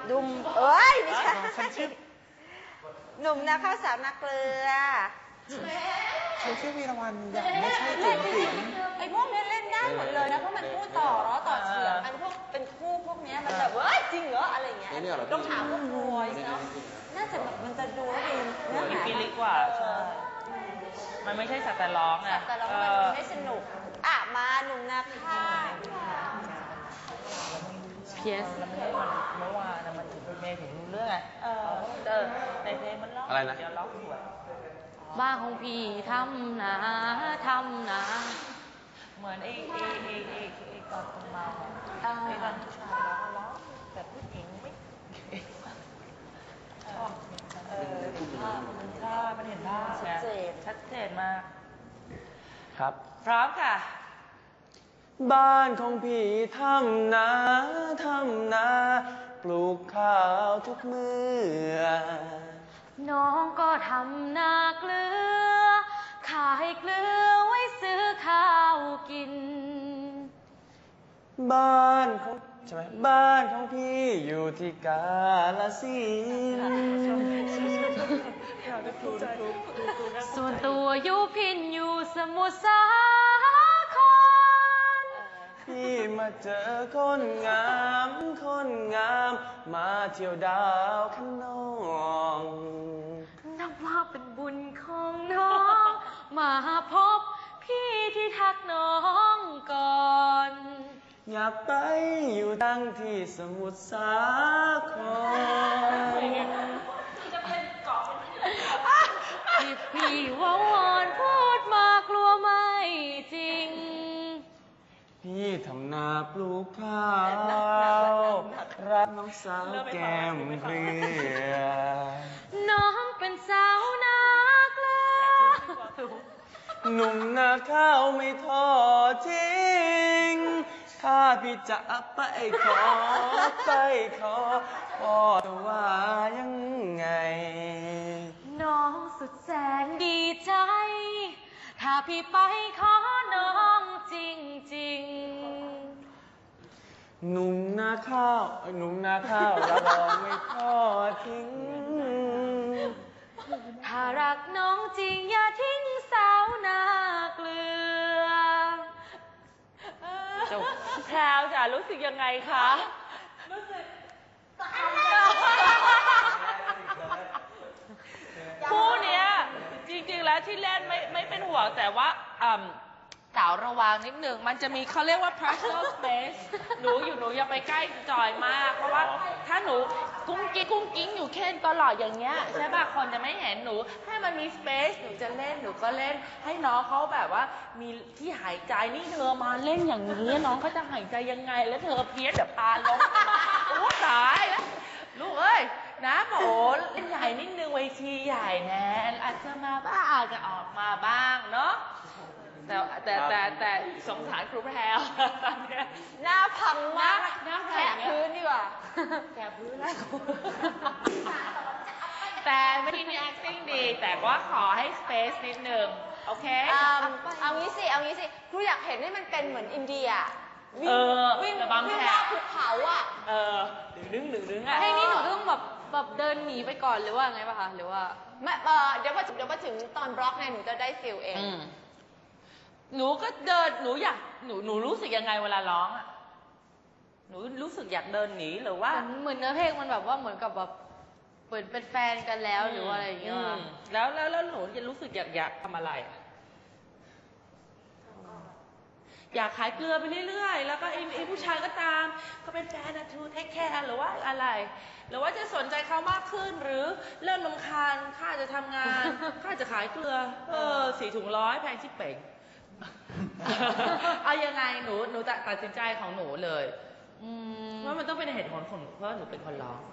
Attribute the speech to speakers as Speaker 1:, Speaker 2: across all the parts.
Speaker 1: ดุมเอ้ยไม่ใช่หนุ่มนาข้าวสาวนาเกลือ
Speaker 2: ฉันชื่อวีรวรรณอย่างไม่ใช่จุ๋มจิ๋ม
Speaker 1: ไอ้พวกนี้เล่นได้หมดเลยนะเพราะมันพูดต่อร้อต่อเฉียงอันพวกเป็นคู่พวกนี้มันแบบเฮ้ยจริงเหรออะไรเงี้ยต้องถามพวกบอยเนาะน่าจะแบบมันจะดูแล้วดีเนื้อหา
Speaker 3: ปีลิกว่าใช่มันไม่ใช่สัตว์แต่ร้องอ่ะ
Speaker 1: แต่ร้องมันไม่สนุกอ่ะมาหนุ่มนาข้าว
Speaker 3: เพียสแล้วไม่ได้มันเมื่อวานมันเมย์ถึงเรื่องไงในเพลงมันร้องอะไรนะเดี๋ยวร้องสวย
Speaker 4: บ้านของพี่ทำนา
Speaker 3: เหมือนไอ้ตอนเมาไอ้ตอนผู้ชายร้องแต่ผู้หญิงไม่ชอบมันเห็นภาพชัดเจนมาก
Speaker 2: ครับ
Speaker 3: พร้อมค่ะ
Speaker 2: บ้านของพี่ทำนาปลูกข้าวทุกมื้อ
Speaker 4: น้องก็ทำนาเกลือขายเกลือไว้ซื้อข้าวกิน
Speaker 2: บ้านของใช่ไหมบ้านของพี่อยู่ที่กาฬสินธุ์
Speaker 4: ส่วนตัวอยู่พินอยู่สมุทรสาคร
Speaker 2: พี่มาเจอคนงามมาเที่ยวดาวขนอง
Speaker 4: นับว่าเป็นบุญของน้องมาพบพี่ที่ทักน้องก่อน
Speaker 2: อยากไปอยู่ตั้งที่สมุทรสาคร
Speaker 4: ที่พี่ว่าวอนพูดมากลัวไม่จริง
Speaker 2: พี่ทำนาปลูกข้าวรักน้องสาวแก้มเกลือ
Speaker 4: น้องเป็นสาวนาเกลือ
Speaker 2: หนุ่มนาข้าวไม่ทอดทิ้งถ้าพี่จะไปขอพ่อจะว่ายังไง
Speaker 4: น้องสุดแสนดีใจถ้าพี่ไปขอน้องจริง
Speaker 2: หนุ่มนาข้าวรับรองไม่ทอดทิ้ง
Speaker 4: ถ้ารักน้องจริงอย่าทิ้งสาวนาเกลือ
Speaker 3: จบแพรวจ๋ารู้สึกยังไงคะรู้สึกคู่เนี้ยจริงๆแล้วที่เล่นไม่เป็นห่วงแต่ว่าสาวระวังนิดหนึ่งมันจะมีเขาเรียกว่า personal space หนูอย่าไปใกล้จอยมากเพราะว่าถ้าหนูกุ้งกิ้งอยู่แค่ตลอดอย่างเงี้ยใช่ป่ะคนจะไม่เห็นหนูให้มันมี space หนูจะเล่นหนูก็เล่นให้น้องเขาแบบว่ามีที่หายใจนี่เธอมาเล่นอย่างนี้น้องเขาจะหายใจยังไงแล้วเธอเพี้ยนเดี๋ยวปาล้มโอ้ตายแล้วลูกเอ้ยนะโหเล่นใหญ่นิดนึงเวทีใหญ่แน่อาจจะมาบ้างอาจจะออกมาบ้างเนาะแต่สงสารครูแพรวตอนนี้
Speaker 1: หน้าพังมาก
Speaker 3: หน้า
Speaker 1: แผลพื้นดีกว่า
Speaker 3: แผลพื้นแล้วแต่ไม่มี acting ดีแต่ว่าขอให้ space นิดนึงโอเค
Speaker 1: เอางี้สิครูอยากเห็นให้มันเป็นเหมือนอินเดียวิ่ง
Speaker 3: บางแผล
Speaker 1: ภูเขาอ่ะ
Speaker 3: ดึงอ่ะ
Speaker 4: เพลงนี้หนูต้องแบบเดินหนีไปก่อนหรือว่าไงป่ะคะหรือว่า
Speaker 1: ไม่เดี๋ยวมาถึงตอนบล็อกเนี่ยหนูจะได้ฟิลเอง
Speaker 3: หนูก็เดินหนูรู้สึกยังไงเวลาร้องอ่ะหนูรู้สึกอยากเดินหนีหรือว่า
Speaker 4: เหมือนเนื้อเพลงมันแบบว่าเหมือนกับแบบเปิดเป็นแฟนกันแล้วหรือว่าอะไรอย่างเงี้ย
Speaker 3: แล้วหนูจะรู้สึกอยากทำอะไรอยากขายเกลือไปเรื่อยๆแล้วก็ไอ้ผู้ชายก็ตามก็เป็นแฟนนะทูเทคแคร์หรือว่าอะไรหรือว่าจะสนใจเขามากขึ้นหรือเริ่มรำคาญข้าจะทำงานข้าจะขายเกลือ4 ถุง100แพงชิบเป่งเอายังไงหนูตัดสินใจของหนูเลยว่ามันต้องเป็นเหตุผลของหนูเพราะหนูเป็นคนร้อง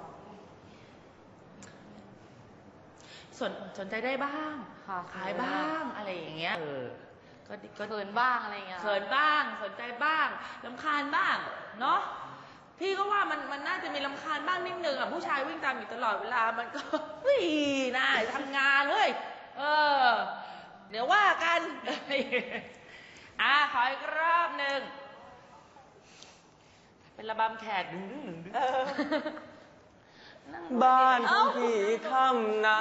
Speaker 3: สนใจได้บ้างขายบ้างอะไรอย่างเงี้ย
Speaker 4: ก็เขินบ้างอะไรเงี้ย
Speaker 3: เขินบ้างสนใจบ้างรำคาญบ้างเนาะพี่ก็ว่ามันน่าจะมีรำคาญบ้างนิดนึงอ่ะผู้ชายวิ่งตามอยู่ตลอดเวลามันก็น่าทำงานเลยเดี๋ยวว่ากันขออีกรอบหนึ่งเป็นระบำแขกดึง
Speaker 2: บ้านของพี่ทำนา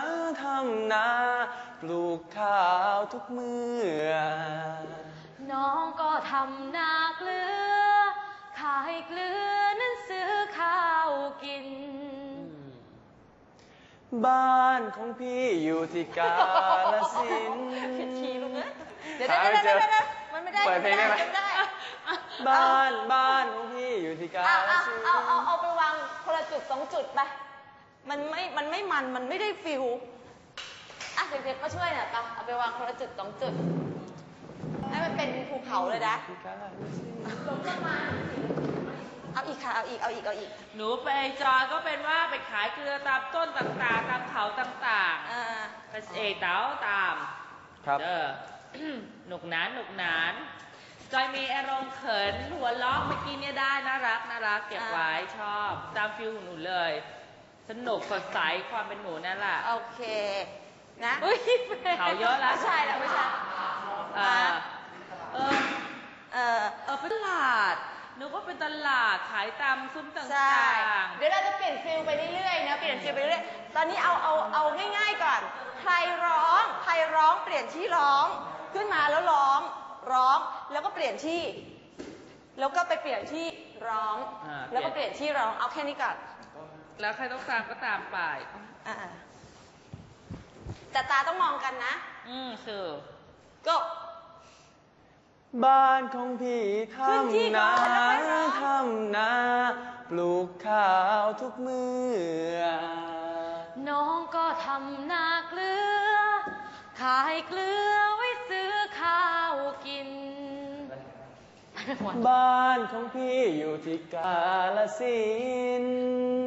Speaker 2: ปลูกข้าวทุกมื้อ
Speaker 4: น้องก็ทำนาเกลือขายเกลือนั้นซื้อข้าวกิน
Speaker 2: บ้านของพี่อยู่ที่กาฬสินธุ์
Speaker 1: ผิดคีย์ลูกเอ้ยเดี๋ยวมันไม่ได้
Speaker 2: เปิดเพลงได้ไหมบ้านของพี่อยู่ที่กาฬสินธุ์
Speaker 1: เอาไปวางคนละจุด2 จุดไปมันไม่ได้ฟิลอ่ะเด็กๆก็ช่วยหน่อยปะเอาไปวางคนละจุด2 จุดให้มันเป็นภูเขาเลยนะเอาอีกค่ะเอาอีก
Speaker 3: หนูไปจอยก็เป็นว่าไปขายเกลือตามต้นต่างๆตามเขาต่างๆเต้าตาม
Speaker 2: ครับ
Speaker 3: หนุกหนานจอยมีอารมณ์เขินหัวล้อเมื่อกี้เนี่ยได้น่ารักเก็บไว้ชอบตามฟิลหนูเลยสนุกสดใสความเป็นหนูนั่นแหละ
Speaker 1: โอเคนะ
Speaker 3: เขาเยอะแล้ว
Speaker 1: ไม่ใช่
Speaker 3: เป็นตลาดนึกว่าเป็นตลาดขายตามซุ้มต่าง
Speaker 1: ๆเดี๋ยวเราจะเปลี่ยนฟิลไปเรื่อยๆนะเปลี่ยนฟิลไปเรื่อยๆตอนนี้เอาง่ายๆก่อนใครร้องเปลี่ยนที่ร้องขึ้นมาแล้วร้องแล้วก็เปลี่ยนที่แล้วก็ไปเปลี่ยนที่ร้องแล้วก็เปลี่ยนที่ร้องเอาแค่นี้ก่อน
Speaker 3: แล้วใครต้องตามก็ตามไป
Speaker 1: แต่ตาต้องมองกันนะ
Speaker 3: คือ
Speaker 1: ก็
Speaker 2: บ้านของพี่ทำนาปลูกข้าวทุกมื้อ
Speaker 4: น้องก็ทำนาเกลือขายเกลือไว้ซื้อข้าวกิน
Speaker 2: บ้านของพี่อยู่ที่กาฬสินธุ์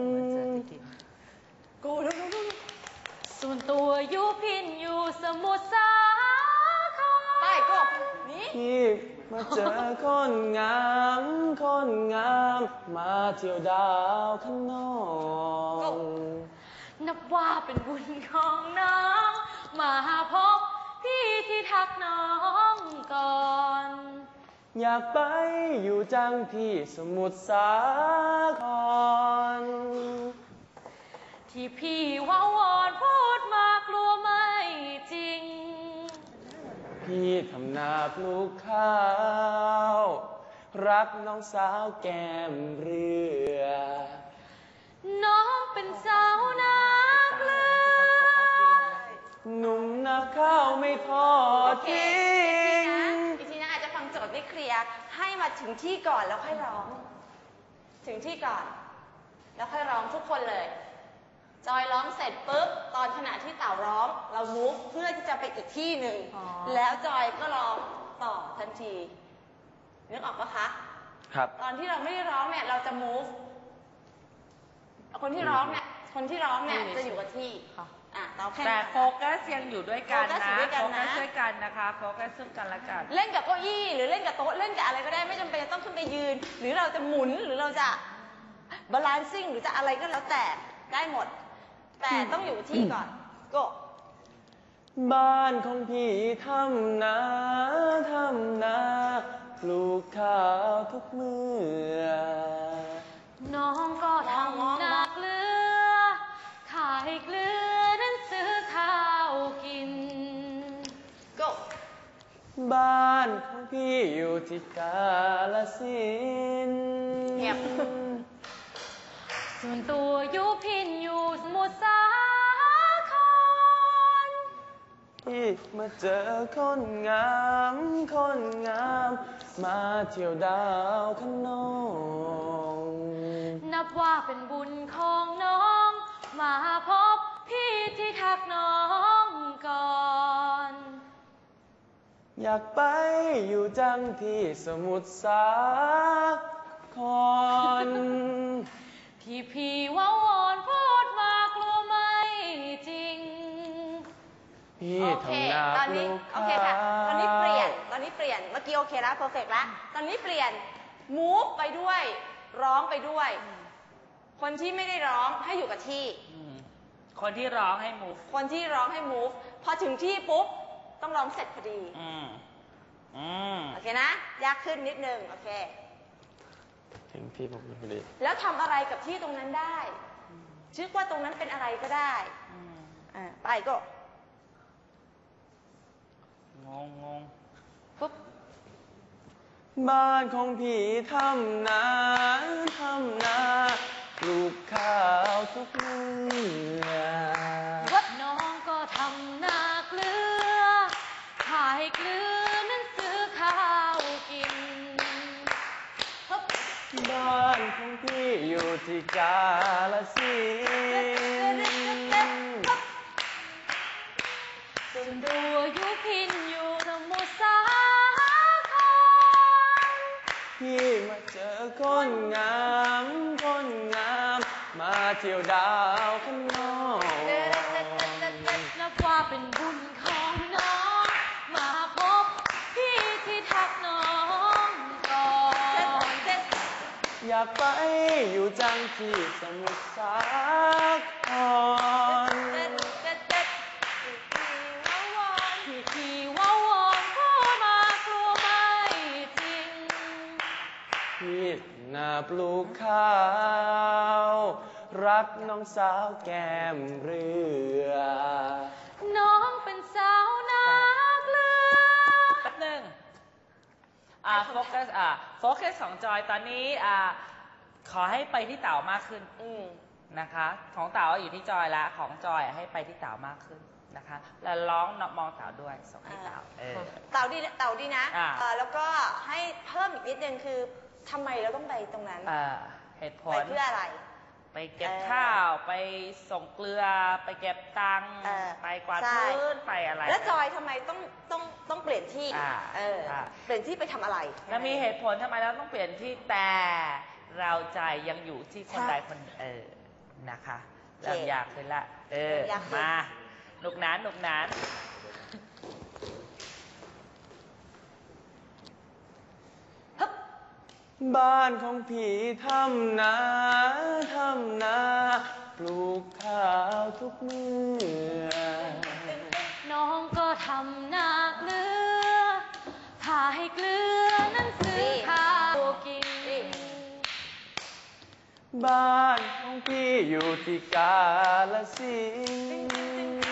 Speaker 1: กู
Speaker 4: ส่วนตัวอยู่พินอยู่สมุทรสาคร
Speaker 1: ไปก็นี่
Speaker 2: พี่มาเจอคนงามมาเที่ยวดาวข้างนอก
Speaker 4: นับว่าเป็นบุญของน้องมาพบพี่ที่ทักน้องก่อน
Speaker 2: อยากไปอยู่จังที่สมุทรสาคร
Speaker 4: ที่พี่ว่าวอนพูดมากลัวไม่จริง
Speaker 2: พี่ทำนาปลูกข้าวรักน้องสาวแก้มเรือ
Speaker 4: น้องเป็นสาวนาเกลือ
Speaker 2: หนุ่มนาข้าวไม่ทอดทิ้ง
Speaker 1: อีกทีนะอาจจะฟังโจทย์ไม่เคลียร์ให้มาถึงที่ก่อนแล้วค่อยร้องถึงที่ก่อนแล้วค่อยร้องทุกคนเลยจอยร้องเสร็จปุ๊บตอนขณะที่เต่าร้องเรามูฟเพื่อที่จะไปอีกที่หนึ่งแล้วจอยก็ร้องต่อทันทีนึกออกปะคะ
Speaker 2: ครับ
Speaker 1: ตอนที่เราไม่ได้ร้องเนี่ยเราจะมูฟคนที่ร้องเนี่ยจะอยู่กับที่
Speaker 3: แต่โฟกัสยังอยู่ด้วยกันนะโฟกัสด้วยกันนะคะโฟกัสซึ่งกันและกัน
Speaker 1: เล่นกับเก้าอี้หรือเล่นกับโต๊ะเล่นกับอะไรก็ได้ไม่จำเป็นจะต้องขึ้นไปยืนหรือเราจะหมุนหรือเราจะบาลานซิ่งหรือจะอะไรก็แล้วแต่ได้หมดแต่ต้องอยู่ที่ก่อนก็
Speaker 2: บ้านของพี่ทำนาปลูกข้าวทุกมื้อ
Speaker 4: น้องก็ทำนาเกลือขายเกลือนั้นซื้อข้าวกิน
Speaker 1: ก็
Speaker 2: บ้านของพี่อยู่ที่กาฬสินธุ์
Speaker 4: ส่วนตัวอยู่พินอยู่สมุทรสาคร
Speaker 2: ที่มาเจอคนงามมาเที่ยวดาวข้างนอก
Speaker 4: นับว่าเป็นบุญของน้องมาพบพี่ที่ทักน้องก่อน
Speaker 2: อยากไปอยู่จังที่สมุทรสาคร
Speaker 4: ที่พี่ว่าวอนพูดมากลัวไม่จริง
Speaker 2: พี่ทำนาปลูกข้าว
Speaker 1: โอเคค่ะตอนนี้เปลี่ยนเมื่อกี้โอเคแล้วเพอร์เฟกต์แล้วตอนนี้เปลี่ยนมูฟไปด้วยร้องไปด้วยคนที่ไม่ได้ร้องให้อยู่กับที่
Speaker 3: คนที่ร้องให้มูฟ
Speaker 1: พอถึงที่ปุ๊บต้องร้องเสร็จพอดีโอเคนะยากขึ้นนิดนึงโอเค
Speaker 2: ถึงที่ผมพอดี
Speaker 1: แล้วทำอะไรกับที่ตรงนั้นได้ชื่อว่าตรงนั้นเป็นอะไรก็ได้ไปก็
Speaker 3: งง
Speaker 1: ปุ๊บ
Speaker 2: บ้านของพี่ทำนาปลูกข้าวทุกมื้อ
Speaker 4: น้องก็ทำนาเกลือขายเกลือนั้นซื้อข้าวกิน
Speaker 2: บ้านของพี่อยู่ที่กาฬสินธุ์
Speaker 4: ส่วนตัวอยู่พินอยู่สมุทรสาคร
Speaker 2: พี่มาเจอคนงามมาเที่ยวดาวข้างนอก
Speaker 4: นับว่าเป็นบุญของน้อง มาพบพี่ที่ทักน้องก่อน
Speaker 2: อยากไปอยู่จังที่สมุทรสาคร
Speaker 4: ที่ว่าวอนพูดมากลัวไม่จริง
Speaker 2: พี่นาปลูกข้าวรักน้องสาวแก้มเรือ
Speaker 4: น้องเป็นสาวนาเกลือ
Speaker 3: แป๊บนึงโฟกัสของจอยตอนนี้ขอให้ไปที่เต๋ามากขึ้นนะคะ ของเต๋าอยู่ที่จอยแล้วของจอยให้ไปที่เต๋ามากขึ้นนะคะ แล้วร้องมองเต๋าด้วยส่งให้เต๋า
Speaker 1: เต่าดีนะ แล้วก็ให้เพิ่มอีกนิดนึงคือทำไมเราต้องไปตรงนั้น
Speaker 3: เหตุผ
Speaker 1: ไป
Speaker 3: ล
Speaker 1: เพื่ออะไร
Speaker 3: ไปเก็บข้าวไปส่งเกลือไปเก็บตังค์ไปกวาดพื้นไปอะไร
Speaker 1: แล้วจอยทำไมต้องเปลี่ยนที่เปลี่ยนที่ไปทำอะไร
Speaker 3: แล้วมีเหตุผลทำไมเราต้องเปลี่ยนที่แต่เราใจยังอยู่ที่คนใดคนนะคะเริ่มอยากขึ้นละมาหนุกหนาน
Speaker 2: บ้านของพี่ทำนาปลูกข้าวทุกมื้อ
Speaker 4: น้องก็ทำนาเกลือขายเกลือนั้นซื้อข้าวกิน
Speaker 2: บ้านของพี่อยู่ที่กาฬสินธุ์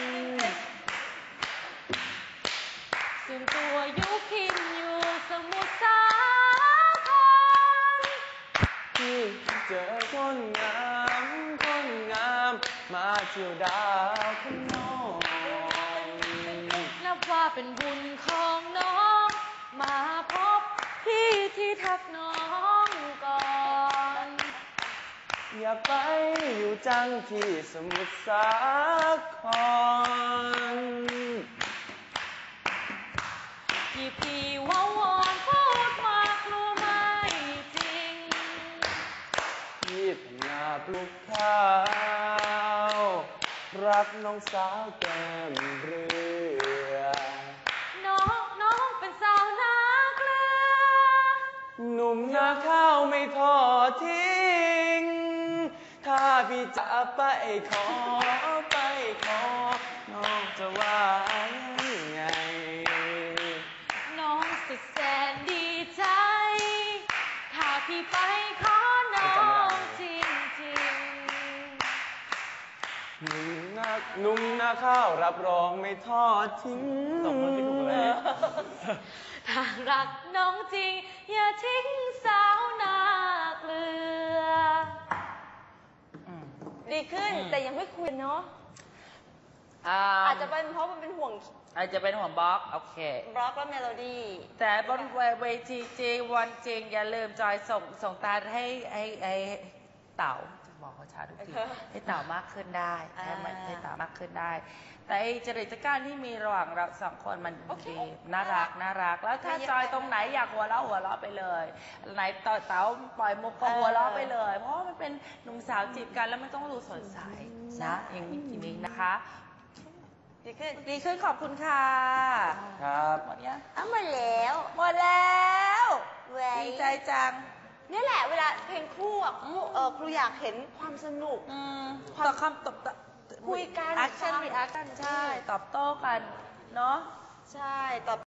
Speaker 4: ส่วนตัวอยู่พินอยู่สมุทรสาคร
Speaker 2: พี่เจอคนงามมาเที่ยวดาวข้างนอก
Speaker 4: นับว่าเป็นบุญของน้อง มาพบพี่ที่ทักน้องก่อน
Speaker 2: อยากไปอยู่จังที่สมุทรสาคร
Speaker 4: ที่พี่ว่าวอนพูดมากลัวไม่จริง
Speaker 2: พี่ทำนาปลูกข้าวรักน้องสาวแก้มเรือ
Speaker 4: น้องเป็นสาวนาเกลือ
Speaker 2: หนุ่มนาข้าวไม่ทอดทิ้ง ถ้าพี่จะไปขอ น้องจะว่ายังไง
Speaker 4: น้องสุดแสนดีใจ ถ้าพี่ไปขอน้องจริง
Speaker 2: หนุ่มนาข้าวรับรองไม่ทอดทิ้ง
Speaker 3: ส่งมันไม่ถูกเลย
Speaker 4: ๆ ถ้ารักน้องจริง อย่าทิ้งสาวนาเกลือ
Speaker 1: ดีขึ้นแต่ยังไม่คุยเนาะอาจจะเป็นเพราะมันเป็นห่วง
Speaker 3: อาจจะเป็นหัวบล็อกโอเค
Speaker 1: บล็อกและเมโลดี้
Speaker 3: แต่บนเวทีจริงวันจริงอย่าลืมจอยส่งตาให้เต่าจะบอกเขาช้าทุกทีให้เต่ามากขึ้นได้ให้เต่ามากขึ้นได้ แต่จริตจักรที่มีระหว่างเราสองคนมันดีน่ารักแล้วถ้าจอยตรงไหนอยากหัวเราะไปเลยไหนเต่าปล่อยมุกก็หัวเราะไปเลย เพราะมันเป็นหนุ่มสาวจีบกันแล้วมันต้องดูสดใสนะอย่างนี้นะคะดีขึ้นขอบคุณค่ะ
Speaker 2: ครับ
Speaker 3: หมดยัง
Speaker 1: หมดแล้ว
Speaker 3: หมดแล้ว ดีใจจัง
Speaker 1: นี่แหละเวลาเพลงคู่อ่ะครูอยากเห็นความสนุก
Speaker 3: ต่อคำตอบ
Speaker 1: คุยกัน
Speaker 3: แอคชั่นรีแอคชั่นใช่ ตอบโต้กัน เนาะ
Speaker 1: ใช่ตอบ